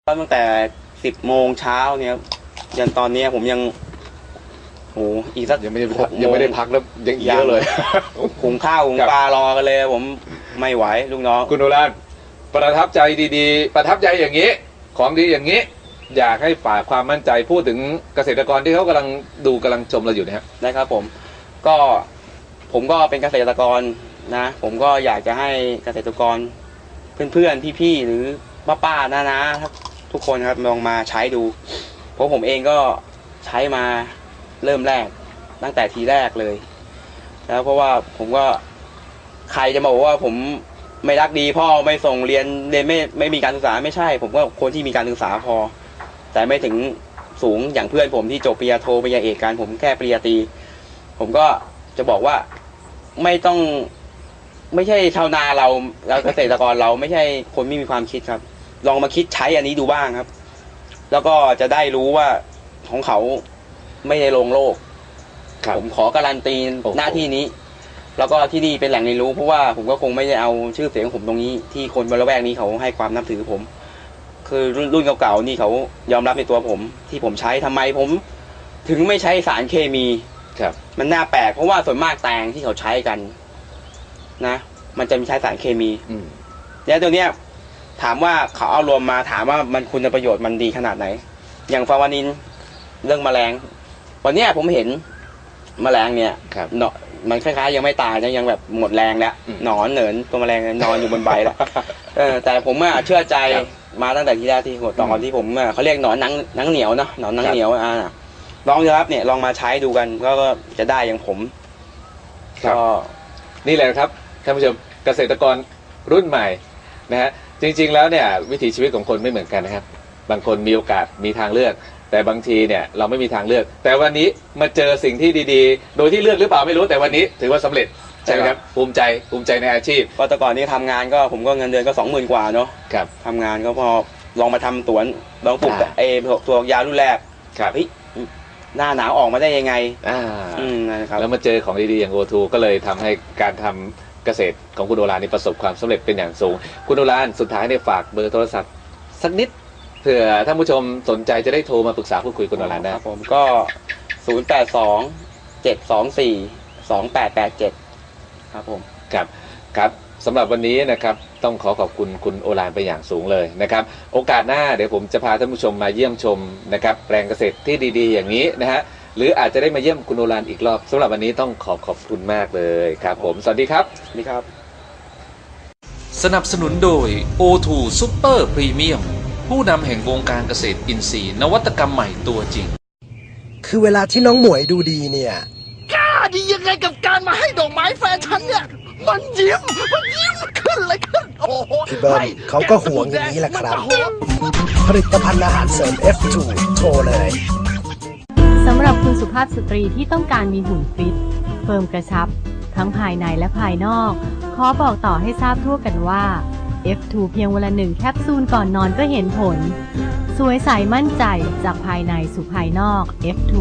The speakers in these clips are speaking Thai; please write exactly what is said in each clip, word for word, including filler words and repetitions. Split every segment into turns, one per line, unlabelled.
ตั้งแต่สิบโมงเช้าเนี่ยยันตอนนี้ผมยังโหอีกสัก
ยังไม่ได้ยังไม่ได้พักแล้วยังเยอะเลย
หุงข้าวหุงปลารอกันเลยผมไม่ไหวลูกน้อง
คุณโอฬารประทับใจดีๆประทับใจอย่างนี้ของดีอย่างนี้อยากให้ฝากความมั่นใจพูดถึงเกษตรกรที่เขากำลังดูกำลังชมเราอยู่นะครับ
ได้ครับผมก็ผมก็เป็นเกษตรกรนะผมก็อยากจะให้เกษตรกรเพื่อนๆพี่ๆหรือป้าๆน้าๆทุกคนครับลองมาใช้ดูเพราะผมเองก็ใช้มาเริ่มแรกตั้งแต่ทีแรกเลยแล้วเพราะว่าผมก็ใครจะมาบอกว่าผมไม่รักดีพ่อไม่ส่งเรียนเรียนไม่ไม่มีการศึกษาไม่ใช่ผมก็คนที่มีการศึกษาพอแต่ไม่ถึงสูงอย่างเพื่อนผมที่จบปริญญาโทปริญญาเอกกันผมแค่ปริญญาตรีผมก็จะบอกว่าไม่ต้องไม่ใช่ชาวนาเราเราเกษตรกรเราไม่ใช่คนไม่มีความคิดครับลองมาคิดใช้อันนี้ดูบ้างครับแล้วก็จะได้รู้ว่าของเขาไม่ได้ลงโลกผมขอการันตีหน้าที่นี้แล้วก็ที่นี่เป็นแหล่งเรียนรู้เพราะว่าผมก็คงไม่ได้เอาชื่อเสียงของผมตรงนี้ที่คนบริเวณนี้เขาให้ความนับถือผมคือรุ่นเก่าๆนี่เขายอมรับในตัวผมที่ผมใช้ทำไมผมถึงไม่ใช้สารเคมี
ครับ
มันน่าแปลกเพราะว่าส่วนมากแตงที่เขาใช้กันนะมันจะมีใช้สารเคมีแล้วตัวเนี้ยถามว่าเขาเอารวมมาถามว่ามันคุณประโยชน์มันดีขนาดไหนอย่างฟาวานินเรื่องแมลงวันนี้ผมเห็นแมลงเนี่ยเนาะมันคล้ายๆยังไม่ตายนะยังแบบหมดแรงแล้วหนอนเหนินตัวแมลงนอนอยู่บนใบแล้วเออแต่ผมอะเชื่อใจมาตั้งแต่ที่แรกที่หัวตอนที่ผมเขาเรียกหนอนนังนังเหนียวเนาะหนอนนังเหนียวอ่าลองดูครับเนี่ยลองมาใช้ดูกันก็จะได้อย่างผม
ก็นี่แหละครับท่านผู้ชมเกษตรกรรุ่นใหม่นะฮะจริงๆแล้วเนี่ยวิถีชีวิตของคนไม่เหมือนกันนะครับบางคนมีโอกาสมีทางเลือกแต่บางทีเนี่ยเราไม่มีทางเลือกแต่วันนี้มาเจอสิ่งที่ดีๆโดยที่เลือกหรือเปล่าไม่รู้แต่วันนี้ถือว่าสำเร็จใช่ไหมครับภูมิใจภูมิใจในอาชีพ
ก็แต่ก่อนนี้ทำงานก็ผมก็เงินเดือนก็สองหมื่นกว่าเนาะ
ครับ
ทำงานก็พอลองมาทำสวนลองปลูกเอตัวยารุ่นแรก
ครับ
หน้าหนาวออกมาได้ยังไง
อ่า
อืมนะครับ
แล้วมาเจอของดีๆอย่างโอทูก็เลยทำให้การทำเกษตรของคุณโอฬารนี่ประสบความสำเร็จเป็นอย่างสูงคุณโอฬารสุดท้ายเนี่ยฝากเบอร์โทรศัพท์สักนิดเผื่อท่านผู้ชมสนใจจะได้โทรมาปรึกษาพูดคุยคุณโอฬารได้
ครับผมก็ศูนย์แปดสองเจ็ดสองสี่สองแปดแปดเจ็ดครับผม
ครับครับสำหรับวันนี้นะครับต้องขอขอบคุณคุณโอฬารไปอย่างสูงเลยนะครับโอกาสหน้าเดี๋ยวผมจะพาท่านผู้ชมมาเยี่ยมชมนะครับแปลงเกษตรที่ดีๆอย่างนี้นะฮะหรืออาจจะได้มาเยี่ยมคุณโอฬารอีกรอบสำหรับวันนี้ต้องขอขอบคุณมากเลยครับผมสวัสดีครับ
สวัสดีครับ
สนับสนุนโดย โอ ทู Super Premium ผู้นำแห่งวงการเกษตรอินทรีย์นวัตกรรมใหม่ตัวจริง
คือเวลาที่น้องหมวยดูดีเนี่ย
กล้าดียังไงกับการมาให้ดอกไม้แฟนฉันเนี่ยมันยิ้มมันยิ้มขึ้นเลยขึ้นโอ้โห
พี่เบิ้มเขาก็ห่วงอย่างนี้แหละครับผลิตภัณฑ์อาหารเสริม เอฟ ทู โทรเลย
สำหรับคุณสุภาพสตรีที่ต้องการมีหุ่นฟิตเฟิร์มกระชับทั้งภายในและภายนอกขอบอกต่อให้ทราบทั่วกันว่า เอฟ ทู เพียงวันละหนึ่งแคปซูลก่อนนอนก็เห็นผลสวยใสมั่นใจจากภายในสู่ภายนอก เอฟ ทู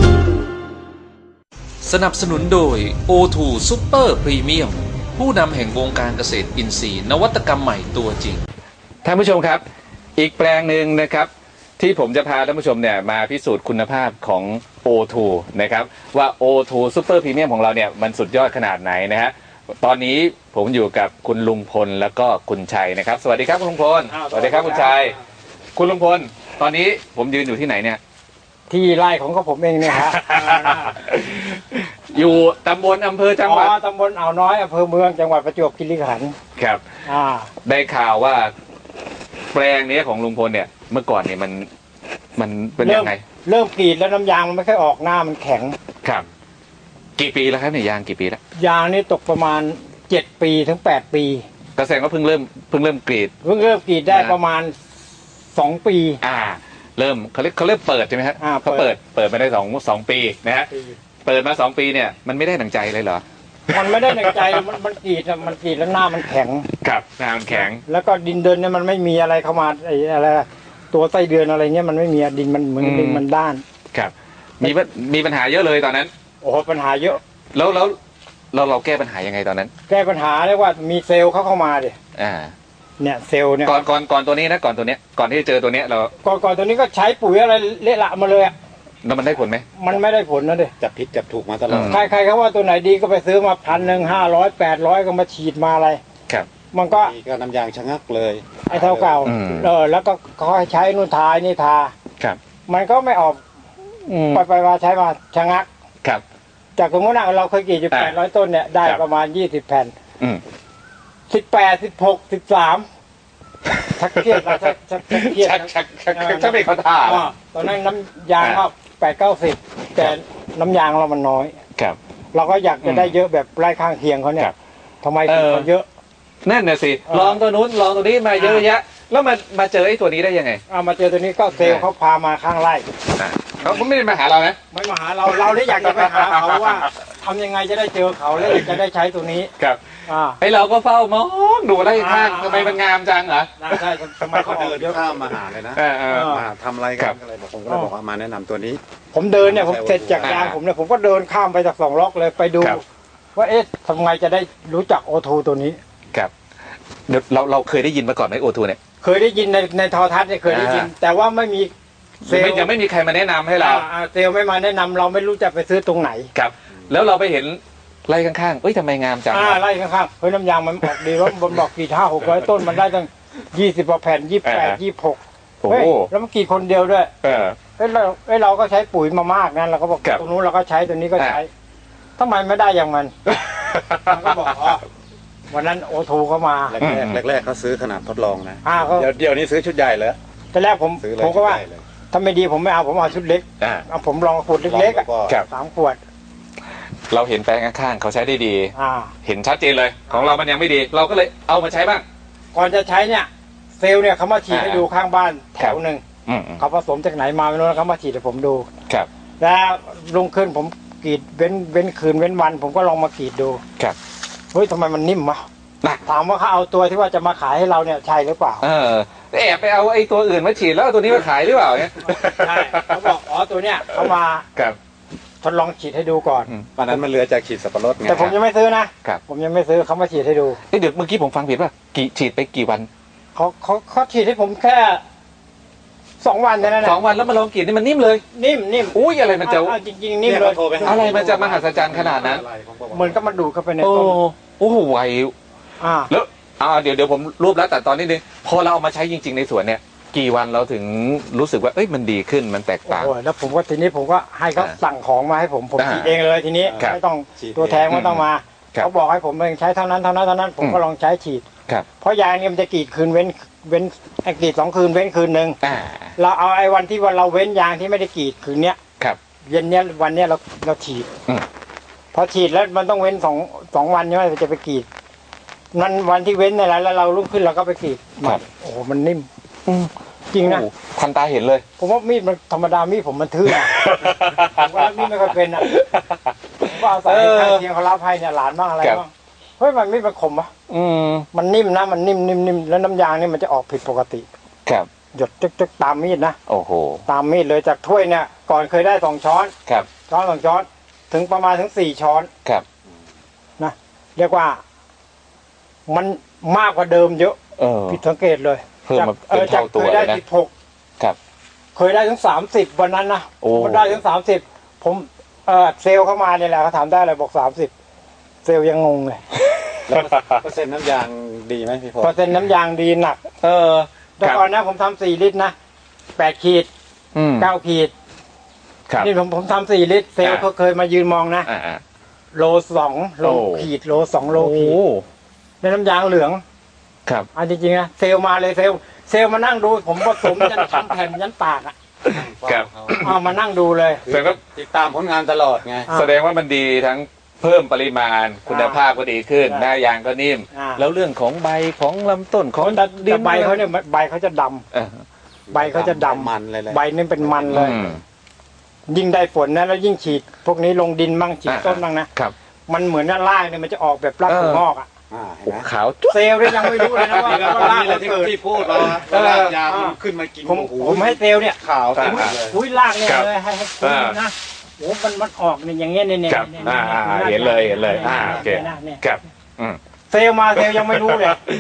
สนับสนุนโดย โอ ทู Super Premium ผู้นำแห่งวงการเกษตรอินทรีย์นวัตกรรมใหม่ตัวจริง
ท่านผู้ชมครับอีกแปลงหนึ่งนะครับที่ผมจะพาท่านผู้ชมเนี่ยมาพิสูจน์คุณภาพของ โอ ทู นะครับว่า โอ ทู Super Premium ของเราเนี่ยมันสุดยอดขนาดไหนนะฮะตอนนี้ผมอยู่กับคุณลุงพลแล้วก็คุณชัยนะครับสวัสดีครับคุณลุงพลสวัสดีครับคุณชัยคุณลุงพลตอนนี้ผมยืนอยู่ที่ไหนเนี่ย
ที่ไร่ของผมเองเนี่ยฮะ
อยู่ตำบลอำเภอจังหวัด
ตำบลอ่าวน้อยอำเภอเมืองจังหวัดประจวบคีรีขันธ์
ครับได้ข่าวว่าแปลงนี้ของลุงพลเนี่ยเมื่อก่อนเนี่ยมันมันเป็นยังไง
เริ่มกรีดแล้วน้ำยางมันไม่ค่อยออกหน้ามันแข็ง
ครับกี่ปีแล้วครับเนี่ยยางกี่ปีแล้ว
ยางนี่ตกประมาณเจ็ดปีถึงแปดปี
เกษตรก็เพิ่งเริ่มเพิ่งเริ่มกรีด
เพิ่งเริ่มกรีดได้ประมาณสองปี
อ่าเริ่มเขาเรียกเขาเริ่มเปิดใช่ไหมฮะเขาเปิดเปิดมาได้สองสองปีนะฮะเปิดมาสองปีเนี่ยมันไม่ได้ดั่งใจเลยเหรอ
มันไม่ได้ดั่งใจมันมันกรีดมันกรีดแล้วหน้ามันแข็ง
ครับหน้ามันแข็ง
แล้วก็ดินเดินเนี่ยมันไม่มีอะไรเข้ามาไอ้อะไรตัวไส้เดือนอะไรเงี้ยมันไม่มีดินมันเหมือนดินมันด้าน
ครับมีมีปัญหาเยอะเลยตอนนั้น
โอ้โหปัญหาเยอะ
แล้วแล้วเราเราแก้ปัญหายังไงตอนนั้น
แก้ปัญหาเรียกว่ามีเซลล์เขาเข้ามาดิ
อ่า
เนี่ยเซลล์เนี่ย
ก่อนก่อนก่อนตัวนี้นะก่อนตัวเนี้ยก่อนที่จะเจอตัวเนี้ยเรา
ก่อนก่อนตัวนี้ก็ใช้ปุ๋ยอะไรเละละมาเลยอะ
แล้วมันได้ผลไหม
มันไม่ได้ผลนะเด็
จับผิดจับถูกมาตลอด
ใครใครเขาว่าตัวไหนดีก็ไปซื้อมาพันหนึ่งห้าร้อยแปดร้อยก็มาฉีดมาอะไร
ครับ
มันก็
นี่ก็น้ำยางชะงักเลย
ไอ้เท่าเก่า
อืม
เออแล้วก็เขาให้ใช้นู่นทานี่ทา
ครับ
มันก็ไม่ออก
อืม
ไปไปมาใช้มาชะงัก
ครับ
จากสมมติว่าเราเคยกรีดอยู่
อ่า
แปดร้อยต้นเนี่ยได้
ครับ
ประมาณยี่สิบแผ่น
อืม
สิบแปดสิบหกสิบสามชักเครียดแล้วชักชักชักเครียด
ชักชักชักชักชักไม่เข้าท่า
อ่าตอนนั้นน้ำยางก็แปดเก้าสิบแต่น้ำยางเรามันน้อย
ครับ
เราก็อยากจะได้
อืม
เยอะแบบไร่ข้างเคียงเขาเนี่
ค
ย
รับ
ทำไมถึง
เออ
เขาเยอะ
นั่นน่ะสิ
เออ
ลองตัวนู้นลองตัวนี้มาเยอะแยะ แล้วมามาเจอไอ้ตัวนี้ได้ยังไง
เอามาเจอตัวนี้ก็เซลล์เขาพามาข้างไร่
อ่ะเขาเขาไม่ได้มาหาเรานะ
ไม่มาหาเราเราได้อยากจะไปหาเขาว่าทำยังไงจะได้เจอเขาแล้วอยากจะได้ใช้ตัวนี้
ครับ
อ่า
ไอ้เราก็เฝ้ามองดูไล่ข้าง
อ่า
ทำไมมันงามจังเหรอ
น่าใช่ทำไม
เขา
เขา
เดิ
เดิ
น
นเยอะ
ข้ามมาหาเลยนะ
เออเออ
มาทำอะไร
ครั
กับ นอะไรบอกผมก็เลยบอกว่ามาแนะนำตัวนี้
ผมเดินเนี่ยผมเสร็จจาก
อ่าย
ยางผมเนี่ยผมก็เดินข้ามไปจากสองล็อกเลยไปดู
ครับ
ว่าเอ๊ะทำไงจะได้รู้จักโอทูตัวนี้
ครับเดี๋ยวเราเราเคยได้ยินมาก่อนไหมโอทูเนี่ย
เคยได้ยินในในโทรทัศน์เนี่ยเคยได้ยิน
อ่า
แต่ว่าไม่มีเซล
ไม่
ล์
ยังไม่มีใครมาแนะนำให้เรา
อ่าอ่าเซลล์ไม่มาแนะนำเราไม่รู้จะไปซื้อตรงไหน
ครับ แล้วเราไปเห็นไล่ข้างๆเอ้ยทำไมงามจัง
อ่าไล่ข้างๆเฮ้ยน้ำยางมันออกดีแล้วมันบอกกี่ห้าหกร้อยต้นมันได้ตั้งยี่สิบกว่าแผ่นยี่สิบแปดยี่สิบหก
โอ้
เฮ้ย
โห
แล้วมันกี่คนเดียวด้วย
เออ
เฮ้ยเราเฮ้ยเราก็ใช้ปุ๋ยมามากนะเราก็บอก
ครับ
ตรงนู้นเราก็ใช้ตัวนี้ก็
อ่า
ใช้ทำไมไม่ได้อย่างมัน มันก็บอกอ๋อวันนั้นโอทูเขามา
แรกๆแรกๆเขาซื้อขนาดทดลองนะ
อ่าเขา
เดี๋ยวเดี๋ยวนี้ซื้อชุดใหญ่เลย
แต่แรกผม
ซื้อเลย
ผมก็ว่า
ชุดใหญ่เลย
ถ้าไม่ดีผมไม่เอาผมเอาชุดเล็ก
อ่า
เอาผมลองขวดเล็กๆอะ
ก็
ครับ
สามขวด
เราเห็นแปลงข้างๆเขาใช้ได้ดี
อ่า
เห็นชัดเจนเลย ของเรามันยังไม่ดี เราก็เลยเอามาใช้บ้าง
ก่อนจะใช้เนี่ยเซลล์เนี่ยเขามาฉีด
อ่า
ให้ดูข้างบ้านแถวหนึ่ง
อืมอืม
เขาผสมจากไหนมาไม่รู้นะเขามาฉีดให้ผมดู
ครับ
แล้วลงขึ้นผมกรีดเว้นเว้นคืนเว้นวัน ผมก็ลองมากรีดดู
ครับ
เฮ้ยทำไมมันนิ่มวะ
น่ะ
ถามว่าเขาเอาตัวที่ว่าจะมาขายให้เราเนี่ยใช่หรือเปล่า
เออแอบไปเอาไอ้ตัวอื่นมาฉีดแล้วเอาตัวนี้มาขายหรือเปล่าเนี่ย
ใช่เขาบอกอ๋อตัวเนี้ยเขามา
ครับ
ทดลองฉีดให้ดูก่อน
วันนั้นมันเหลือจากขีดสับปะรดไง
แต่ผมยังไม่ซื้อนะครับ ผมยังไม่ซื้อเขามาฉีดให้ดู
เอ้ยเดี๋ยวเมื่อกี้ผมฟังผิดป่ะกี่ฉีดไปกี่วัน
เขาเขาเขาฉีดให้ผมแค่สองวันเท่านั้นนะ
สองวันแล้วมาลองกรีดนี่มันนิ่มเลย
นิ่มนิ่ม
อุ้ยอะไรมันจะ
เอาเอาจริงๆนิ่ม
เนี่ย
เลย
เขาโทรไปหา
อะไรมันจะมหัศจรรย์ขนาดนั้น
อะไรของผม
เหมือนก็มาดูดเข้าไปใน
โอ้
ต้น
โอ้โหไว
อ่า
แล้วอ่าเดี๋ยวเดี๋ยวผมรวบแล้วแต่ตอนนี้นึงพอเราเอามาใช้จริง ๆในสวนเนี่ย กี่วันเราถึงรู้สึกว่าเอ้ยมันดีขึ้นมันแตก
โอ้
ต่าง
โหแล้วผมก็ทีนี้ผมก็ให้เขา
อ่า
สั่งของมาให้ผมผม
อ่า
ฉีดเองเลยทีนี้
ครับ
ไม่ต้อง
ฉีด
ตัวแทนไม่ต้องมา
ครับ
เขาบอกให้ผมเองใช้เท่านั้นเท่านั้นเท่านั้น ผมก็
อืม
ลองใช้ฉีด
ครับ
เพราะยางเนี่ยมันจะกรีดคืนเว้นเว้นไอ้กรีดสองคืนเว้นคืนหนึ่ง
อ่า
เราเอาไอ้วันที่วันเราเว้นยางที่ไม่ได้กรีดคืนเนี้ย
ครับ
เย็นเนี้ยวันเนี้ยเราเราฉีด
อืม
พอฉีดแล้วมันต้องเว้นสองสองวันใช่ไหมเราจะไปกรีดนั้นวันที่เว้นเนี่ยแหละแล้วเราลุกขึ้นเราก็ไปกรีด
ครับ
โอ้โหมันนิ่ม
อืม
จริงนะ
โอ้โหทันตาเห็นเลย
ผมว่ามีดมันธรรมดามีดผมมันทื่อนะ ผมว่ามีดไม่ค่อยเป็นอ่ะผมว่าอาศัยข้างเคียงเขารับให้เนี่ยหลานบ้างอะไร
ครับ
บ้างเฮ้ยมันมีดมันคมปะ
อืม
มันนิ่มนะมันนิ่มนิ่มนิ่มแล้วน้ำยางนี่มันจะออกผิดปกติ
ครับ
หยดจึ๊กจึ๊กตามมีดนะ
โอ้โห
ตามมีดเลยจากถ้วยเนี่ยก่อนเคยได้สองช้อน
ครับ
ช้อนสองช้อน ถึงประมาณถึงสี่ช้อน
ครับ
นะเรียกว่า มันมากกว่าเดิมเยอะ
เออ
ผิดสังเกตเลย
เพิ่มมา
เออ
เป็น
จาก
เท่าตัว
เคยได้
เลยนะ
สิบหก
ครับ
เคยได้ถึงสามสิบวันนั้นนะ
โอ้
มันได้ถึงสามสิบผมเออเซลล์เข้ามาเนี่ยแหละเขาถามได้เลยบอกสามสิบเซลล์ยังงงเลย
แล้วเปอร์เซ็นต์น้ำยางดีไหมพี่พล
เปอร์เซ็นต์น้ำยางดีหนัก
เออ
แต่ก่อนนะผมทำสี่ลิตรนะแปดขีด
อืม
เก้าขีด
ครับ
นี่ผมผมทำสี่ลิตรเซลล์
อ่า
เขาเคยมายืนมองนะ
อ่าอ่า
โลสองโล
โอ้
ขีดโลสองโล
โอ้
ขีดในน้ำยางเหลือง
ครับ
อ่ะจริงๆนะเซลล์มาเลยเซลล์เซลล์มานั่งดู ผมผสมยันทำแผ่นยันปากอ่ะ
ครับ
เอามานั่งดูเลย
แสดงว่า
ติดตามผลงานตลอดไง
อ่า
แสดงว่ามันดีทั้งเพิ่มปริมาณคุณภาพก็ดีขึ้น
ใช่
หน้ายางก็นิ่ม
อ่า
แล้วเรื่องของใบของลำต้นของ
แต่
ดิ
แต่ใบเขาเนี่ยใบเขาจะดำ
เออ
ใบเขาจะดำ
มันเลยแหละ
ใบนี่เป็นมันเลย
อืม
ยิ่งได้ฝนนะแล้วยิ่งฉีด พวกนี้ลงดินบ้างฉีด
อ่า
ต้นบ้างนะครับ มันเหมือนว่ารากเนี่ยมันจะออกแบบราก
เออ
ถั่วงอกอ่ะ
อ่าเห็น
โอ้
ไหม
ขาวจุ๊บ
เซลล์เนี่ยยังไม่รู้เลยนะว่า
นี่ก็
ว่า
ตอน
ราก
นี้แหละ
มัน
ที่
เกิด
ที่พูดเรา
เออ
รากยางมันขึ้นมากิน
ผม
โอ้โห
ผมให้เซลล์เนี่ย
ขาว
อ่า
เต็มเลย
อุ้ยรากเนี่ย
ครับ
เลยให้ให้คุณดูนะโอ้มันมันออกเนี่ยอย่างเงี้ยเนี่ยเนี่ย
ครับ
เนี่ย
อ่าอ่า
นี่
เห็นเลยเห็นเลยอ่าโอเค
นี่ยเนี่ย
ครับอืม
เซลล์มาเซลล์ยังไม่รู้เลย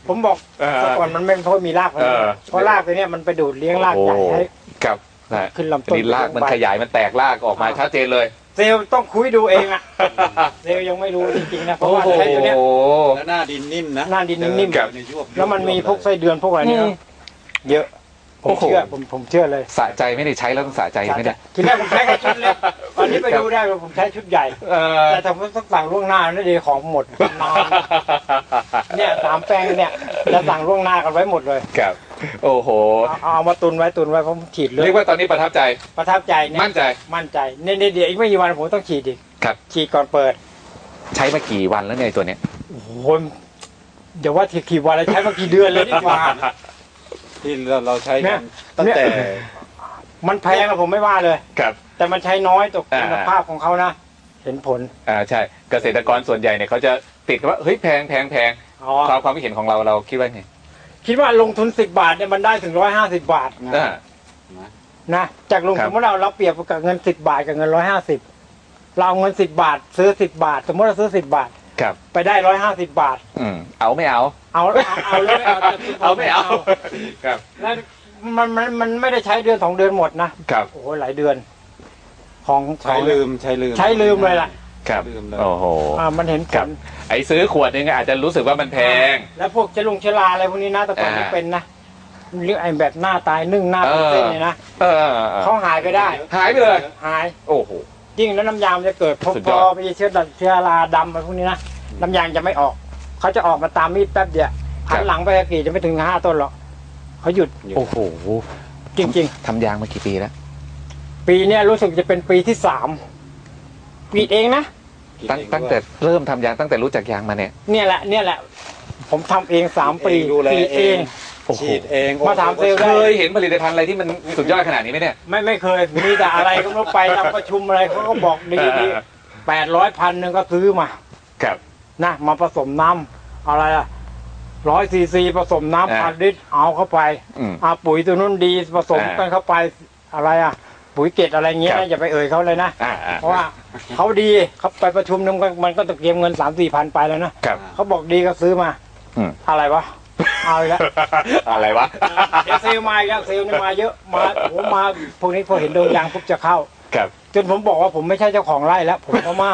ผมบอก
เออ
แต่ก่อนมันไม่เพราะมีรากมัน
เออ
เพราะรากตัวเนี้ยมันไปดูดเลี้ยงรากใหญ่ให้
ครับนะ
ขึ้นลำต้น
นี่รากมันขยายมันแตกรากออกมาชัดเจนเลย
เซลล์ต้องคุยดูเองอะเซลล์ยังไม่รู้จริงๆนะเพราะว่าใช้ตัวเนี้ย
แล้วหน้าดินนิ่มนะ
หน้าดินนิ่ม
ครับ
ๆแล้วมันมีพวกไส้เดือนพวกอะไรเนี่ยเยอะผ
โอ้
ม
โห
เชื่อผมผมเชื่อเลย
สะใจไม่ได้ใช้แล้วต้องสะใจไหมเนี่ย
ทีแรกผมใช้แค่ชุดเล็กตอนนี้ไปดูได้ว่าผมใช้ชุดใหญ่
เออ
แต่ถ้าผมต้องสั่งล่วงหน้านี่ดีของหมดนานเนี่ยสามแปลงเนี่ยจะสั่งล่วงหน้ากันไว้หมดเลย
ครับโอ้โห
เอาเอาเอามาตุนไว้ตุนไว้ผมฉีดเลย
เรียกว่าตอนนี้ประทับใจ
ประทับใจเนี่ย
มั่นใจ
มั่นใจเนี่ยเนี่ยเดี๋ยวอีกไม่กี่วันผมต้องฉีดอีก
ครับ
ฉีดก่อนเปิด
ใช้มากี่วันแล้วเนี่ยไอ้ตัวเนี้ย
โอ้โหเดี๋ยวว่าทีกี่วันแล้วใช้มากี่เดือนเลยดีกว่า
ที่เราเราใช้
เนี่
กั
ย
นตั้งแต่
มันแพงอะผมไม่ว่าเลย
ครับ
แต่มันใช้น้อยต่อ
อ่า
คุณภาพของเขานะ เห็นผล
อ่าใช่เกษตรกรส่วนใหญ่เนี่ยเขาจะติดว่าเฮ้ยแพงแพงแพง
อ๋อ
ความความคิดเห็นของเราเราคิดว่าไง
คิดว่าลงทุนสิบบาทเนี่ยมันได้ถึงร้อยห้าสิบบาท
อ่า
นะจากลง
ครั
ทุ
บ
นเมื่อเราเราเปรียบกับเงินสิบบาทกับเงินร้อยห้าสิบเราเอาเงินสิบบาท ซื้อสิบบาท สมมติเราซื้อสิบบาท
ครับ
ไปได้ร้อยห้าสิบบาท
อืมเอาไม่เอา
เอาเอาเอาเลยเอาแต่
เอาไม่เอาครับ
แล้วมันมันมันไม่ได้ใช้เดือนสองเดือนหมดนะครับ โอ้โหหลายเดือน ของข
ใช้
อง
ลืมใช้ลืม
ใช้ลืมเลยล่ะ
ครับ
ลืมเลย
โอ้โห
อ่ามันเห็นผ
ครับ
ล
ไอ้ซื้อขวดนึงอาจจะรู้สึกว่ามันแพง
แล้วพวกเจลงเชลาอะไรพวกนี้นะแต่ก่อน
อ่า
ไม่เป็นนะเรื่องไอ้แบบหน้าตายนึ่งหน้าเป็นเส้นเนี่ยนะ
เออเออเออ
เขาหายไปได้
หายไปเลย
หาย
โอ้โห
ยิ่งแล้วน้ำยางมันจะเกิดพอ
สุด
พ
ย
อ
อด
ไปเชื้อดัเชื้อราดำอะไรพวกนี้นะน้ำยางจะไม่ออกเขาจะออกมาตามมีดแป๊บเดียวหันหลังไปกรี่จะไม่ถึงห้าต้นหรอกเขาหยุด
โอ้โห
จริง
ทำยางมากี่ปีแล้ว
ๆ ปีเนี้ยรู้สึกจะเป็นปีที่สามกรีดเองนะ
ตั้งตั้งแต่เริ่มทำยางตั้งแต่รู้จักยางมาเนี่ย
เนี่ยแหละเนี่ยแหละ ผมทำเองสามปี
ดูแล
กรีด
เอ
เอง ง
โอ้โห
ฉีดเอง
มาถามเซลล์
เคยเห็นผลิตภัณฑ์อะไรที่มันสุดยอดขนาดนี้ไหมเนี่ย
ไม่ไม่เคยมีแต่อะไรก็ไม่รู้ไปทำประชุมอะไรเขาก็บอกดีดีแปดร้อยพันหนึ่งก็ซื้อมา
ครับ
นะมาผสมน้ำอะไรอะร้อยซีซีผสม
อ่า
น้ำพันลิตรเอาเข้าไป
อืม
อาปุ๋ยตัวนู้นดีผสม
อ่า
กันเข้าไปอะไรอะปุ๋ยเกล็ดอะไรเงี้ย
ครับ
นะอย่าไปเอ่ยเขาเลยนะ
อ่าอ่า
เพราะว่าเขาดีเขาไปประชุมนึงมันมันก็ตะเกียมเงินสามสี่พันไปแล้วนะครับ เขาบอกดีก็ซื้อมา
อืม
อะไรวะเอาอีกแล้ว
อะไรวะ
เดี๋ยวเซลลมาอีกแล้วเซลลนี่มาเยอะมาโอ้มาพวกนี้พอเห็นดวงยางปุ๊บจะเข้า
ครับ
จนผมบอกว่าผมไม่ใช่เจ้าของไร่แล้ว ผมก็มาก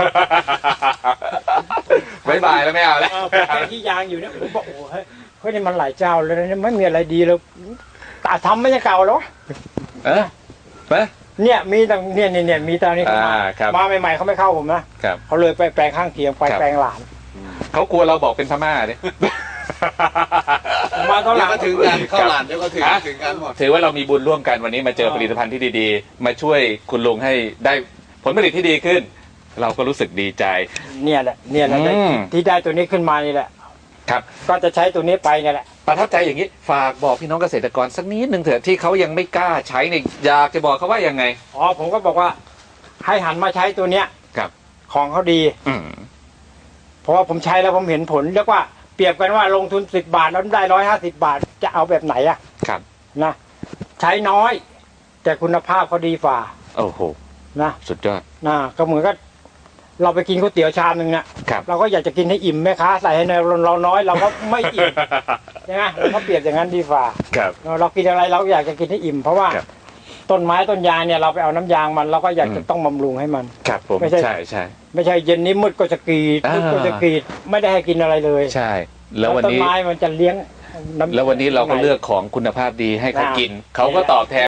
บายบายแล้วไม่เอาแล้ว
เออผมแค่ที่ยางอยู่เนี่ยผมบอกโอ้เฮ้ยเฮ้ยนี่มันหลายเจ้าเลยนะไม่มีอะไรดีเลยตาทำไม่ใช่เก่าหรอ
เออไป
เนี่ยมีแต่เนี่ยเนี่ยเนี่ยมีตอนนี้เขามา
อ่าครับ
มาใหม่ๆเขาไม่เข้าผมนะครับ เขาเลยไปแปลงข้างเคียงไป
ครับ
แปลงหลาน
เขากลัวเราบอกเป็นพม่าเนี่ย
ผมมาตอนห
เดี๋ย
ลั
ว
ง
ก็ถึงกันเข้าหลานเดี๋ยวก็ถึง
ฮะ
ถึงกันหมด
ถือว่าเรามีบุญร่วมกันวันนี้มาเจอผลิตภัณฑ์ที่ดีๆ มาช่วยคุณลุงให้ได้ผลผลิตที่ดีขึ้น เราก็รู้สึกดีใจ
เนี่ยแหละเนี่ยแหละ
อืม
ที่ได้ตัวนี้ขึ้นมานี่แหละ
ครับ
ก็จะใช้ตัวนี้ไปเนี่ยแหละ
ประทับใจอย่างนี้ฝากบอกพี่น้องเกษตรกรสักนิดหนึ่งเถอะที่เขายังไม่กล้าใช้เนี่ยอยากจะบอกเขาว่ายังไง
อ๋อผมก็บอกว่าให้หันมาใช้ตัวเนี้ย
ครับ
ของเขาดี
อืม
เพราะว่าผมใช้แล้วผมเห็นผลเรียกว่าเปรียบกันว่าลงทุนสิบบาทแล้วได้ร้อยห้าสิบบาทจะเอาแบบไหนอะ
ครับ
นะใช้น้อย แต่คุณภาพเขาดีฝ่า
โอ้โห
นะ
สุดยอด
นะก็เหมือนกับเราไปกินก๋วยเตี๋ยวชามหนึ่งเนี่ย
ครับ
เราก็อยากจะกินให้อิ่มแม่ค้าใส่ให้ในเราน้อยเราก็ไม่อิ่ม ใช่ไหมเราก็เปรียบอย่างนั้นดีฝ่า
ครับ
เรากินอะไรเราก็อยากจะกินให้อิ่ม เพราะว่า
ครับ
ต้นไม้ต้นยางเนี่ยเราไปเอาน้ำยางมันเราก็อยากจะ
อืม
ต้องบำรุงให้มัน
ครับผม
ไม่ใช่
ใช่ใช่
ไม่ใช่เย็นนี้มืดก็จะกรีด
อ่ามื
มืดก็จะกรีดไม่ได้ให้กินอะไรเลย
ใช่ แล้ววัน
ต้น
นี้
ไม้มันจะเลี้ยงน้ำ
แล้ววันนี้เราก็เลือกของคุณภาพดีให้เขากิน เขาก็ตอบแทน